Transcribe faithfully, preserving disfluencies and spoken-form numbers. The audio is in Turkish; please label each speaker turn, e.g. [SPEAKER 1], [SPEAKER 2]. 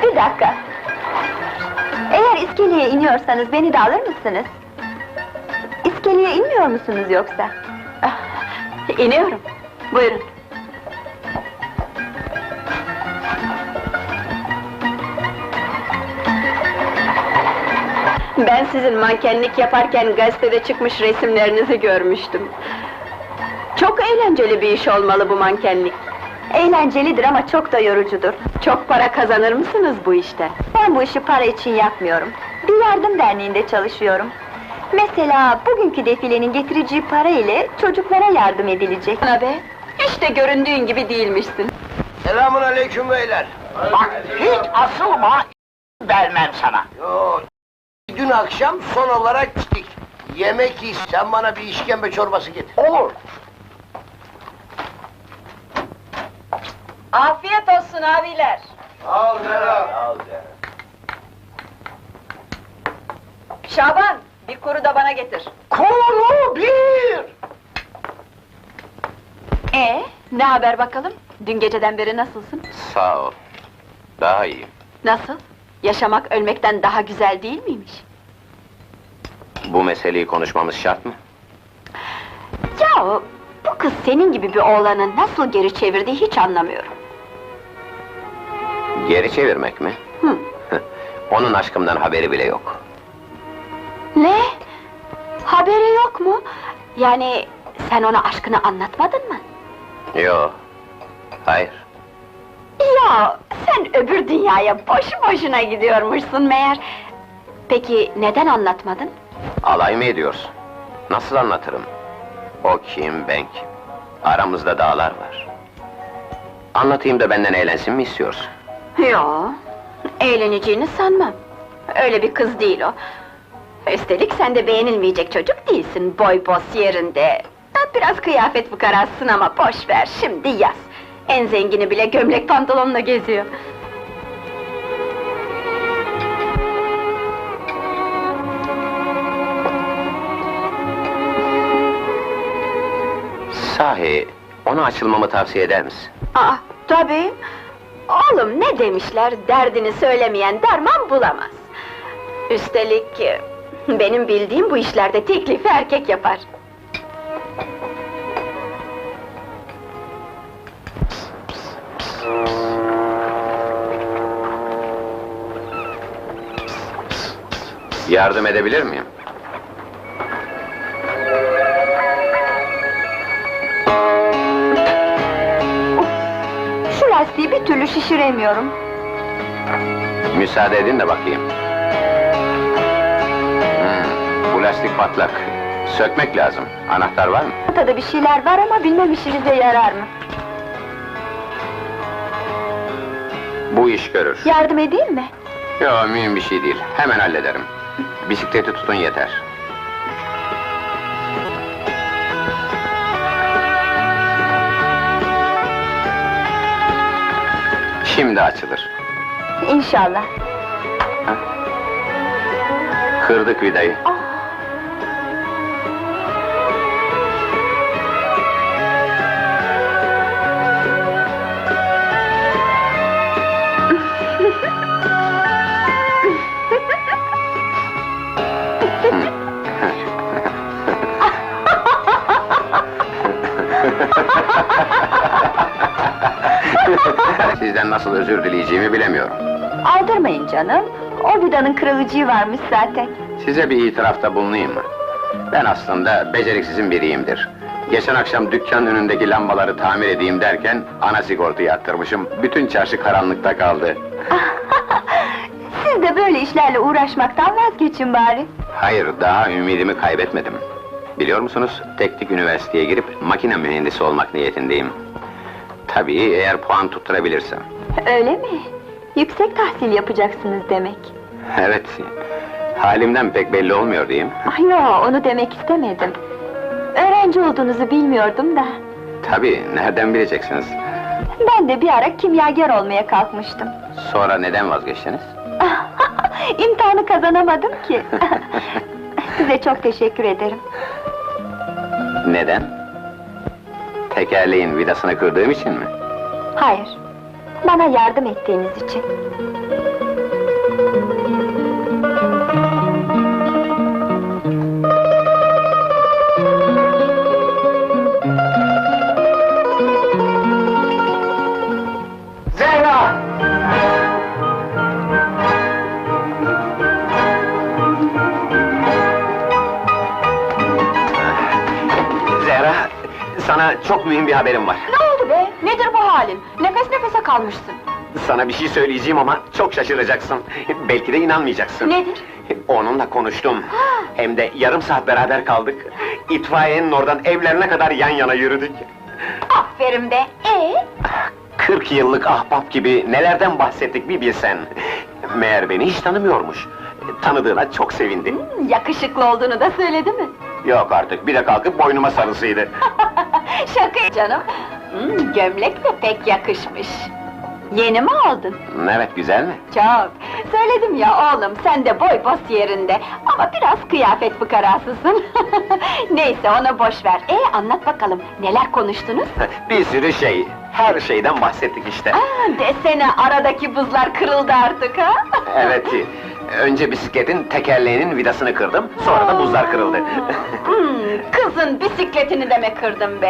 [SPEAKER 1] Bir dakika! Eğer iskeleye iniyorsanız beni de alır mısınız? İskeleye inmiyor musunuz yoksa?
[SPEAKER 2] Ah, İniyorum. Buyurun. Ben sizin mankenlik yaparken gazetede çıkmış resimlerinizi görmüştüm. Çok eğlenceli bir iş olmalı bu mankenlik.
[SPEAKER 1] Eğlencelidir ama çok da yorucudur.
[SPEAKER 2] Çok para kazanır mısınız bu işte?
[SPEAKER 1] Ben bu işi para için yapmıyorum. Bir yardım derneğinde çalışıyorum. Mesela bugünkü defilenin getireceği para ile çocuklara yardım edilecek.
[SPEAKER 2] Ana be, hiç de göründüğün gibi değilmişsin.
[SPEAKER 3] Selamun aleyküm beyler.
[SPEAKER 4] Bak, hiç asılma, vermem sana.
[SPEAKER 3] Yo, dün akşam son olarak gittik. Yemek yiyiz, sen bana bir işkembe çorbası getir.
[SPEAKER 4] Olur.
[SPEAKER 2] Afiyet olsun abiler.
[SPEAKER 3] Al Serap. Al
[SPEAKER 2] Şaban, bir kuru da bana getir.
[SPEAKER 4] Kuru bir!
[SPEAKER 2] Ee, ne haber bakalım? Dün geceden beri nasılsın?
[SPEAKER 5] Sağ ol. Daha iyiyim.
[SPEAKER 2] Nasıl? Yaşamak ölmekten daha güzel değil miymiş?
[SPEAKER 5] Bu meseleyi konuşmamız şart mı?
[SPEAKER 2] Ya bu kız senin gibi bir oğlanı nasıl geri çevirdiği hiç anlamıyorum.
[SPEAKER 5] Geri çevirmek mi?
[SPEAKER 2] Hı.
[SPEAKER 5] Onun aşkımdan haberi bile yok.
[SPEAKER 2] Ne? Haberi yok mu? Yani sen ona aşkını anlatmadın mı?
[SPEAKER 5] Yo. Hayır.
[SPEAKER 2] Ya sen öbür dünyaya boşu boşuna gidiyormuşsun meğer. Peki neden anlatmadın?
[SPEAKER 5] Alay mı ediyorsun? Nasıl anlatırım? O kim, ben kim? Aramızda dağlar var. Anlatayım da benden eğlensin mi istiyorsun?
[SPEAKER 2] Yo, eğleneceğini sanmam. Öyle bir kız değil o. Üstelik sen de beğenilmeyecek çocuk değilsin, boy boz yerinde. Biraz kıyafet fukarasın ama boş ver, şimdi yaz. En zengini bile gömlek pantolonla geziyor.
[SPEAKER 5] Sahi, ona açılmamı tavsiye eder misin?
[SPEAKER 2] Aa, tabii! Oğlum ne demişler, derdini söylemeyen derman bulamaz. Üstelik, e, benim bildiğim bu işlerde teklifi erkek yapar.
[SPEAKER 5] Yardım edebilir miyim?
[SPEAKER 1] Şu lastiği bir türlü şişiremiyorum.
[SPEAKER 5] Müsaade edin de bakayım. Hmm, bu lastik patlak. Sökmek lazım. Anahtar var mı?
[SPEAKER 1] Ortada bir şeyler var ama bilmem işinize yarar mı?
[SPEAKER 5] Bu iş görür.
[SPEAKER 1] Yardım edeyim mi?
[SPEAKER 5] Yo, mühim bir şey değil. Hemen hallederim. Bisikleti tutun yeter. Şimdi açılır.
[SPEAKER 1] İnşallah.
[SPEAKER 5] Kırdık vidayı.
[SPEAKER 1] Ah!
[SPEAKER 5] Sizden nasıl özür dileyeceğimi bilemiyorum.
[SPEAKER 1] Aldırmayın canım. O vidanın kırılıcığı varmış zaten.
[SPEAKER 5] Size bir itirafta bulunayım mı? Ben aslında beceriksizin biriyimdir. Geçen akşam dükkan önündeki lambaları tamir edeyim derken ana sigortayı attırmışım. Bütün çarşı karanlıkta kaldı.
[SPEAKER 1] Siz de böyle işlerle uğraşmaktan vazgeçin bari.
[SPEAKER 5] Hayır, daha ümidimi kaybetmedim. Biliyor musunuz, teknik üniversiteye girip makine mühendisi olmak niyetindeyim. Tabii eğer puan tutturabilirsem.
[SPEAKER 1] Öyle mi? Yüksek tahsil yapacaksınız demek.
[SPEAKER 5] Evet, halimden pek belli olmuyor diyeyim.
[SPEAKER 1] Ay yo, onu demek istemedim. Öğrenci olduğunuzu bilmiyordum da.
[SPEAKER 5] Tabii, nereden bileceksiniz?
[SPEAKER 1] Ben de bir ara kimyager olmaya kalkmıştım.
[SPEAKER 5] Sonra neden vazgeçtiniz?
[SPEAKER 1] İmtihanı kazanamadım ki. Size çok teşekkür ederim.
[SPEAKER 5] Neden? Tekerleğin vidasını kırdığım için mi?
[SPEAKER 1] Hayır. Bana yardım ettiğiniz için.
[SPEAKER 3] Zehra!
[SPEAKER 5] Zehra, sana çok mühim bir haberim var.
[SPEAKER 2] Ne oldu be? Nedir bu halin? Nefes nefese kalmışsın.
[SPEAKER 5] Sana bir şey söyleyeceğim ama çok şaşıracaksın. Belki de inanmayacaksın.
[SPEAKER 2] Nedir?
[SPEAKER 5] Onunla konuştum. Hem de yarım saat beraber kaldık. İtfaiyenin oradan evlerine kadar yan yana yürüdük.
[SPEAKER 2] Aferin be! Ee?
[SPEAKER 5] kırk yıllık ahbap gibi nelerden bahsettik bir bilsen. Meğer beni hiç tanımıyormuş. Tanıdığına çok sevindi.
[SPEAKER 2] Yakışıklı olduğunu da söyledi mi?
[SPEAKER 5] Yok artık, bir de kalkıp boynuma sarısıydı.
[SPEAKER 2] Şaka canım! Hmm, gömlek de pek yakışmış. Yeni mi aldın?
[SPEAKER 5] Evet, güzel mi?
[SPEAKER 2] Çok! Söyledim ya oğlum, sen de boy bos yerinde. Ama biraz kıyafet fıkarasısın. Neyse, onu boş ver. Ee, anlat bakalım, neler konuştunuz?
[SPEAKER 5] Bir sürü şey, her şeyden bahsettik işte.
[SPEAKER 2] Aa, desene, aradaki buzlar kırıldı artık ha?
[SPEAKER 5] Evet, önce bisikletin tekerleğinin vidasını kırdım, sonra da buzlar kırıldı.
[SPEAKER 2] Hmm, kızın bisikletini de mi kırdın be?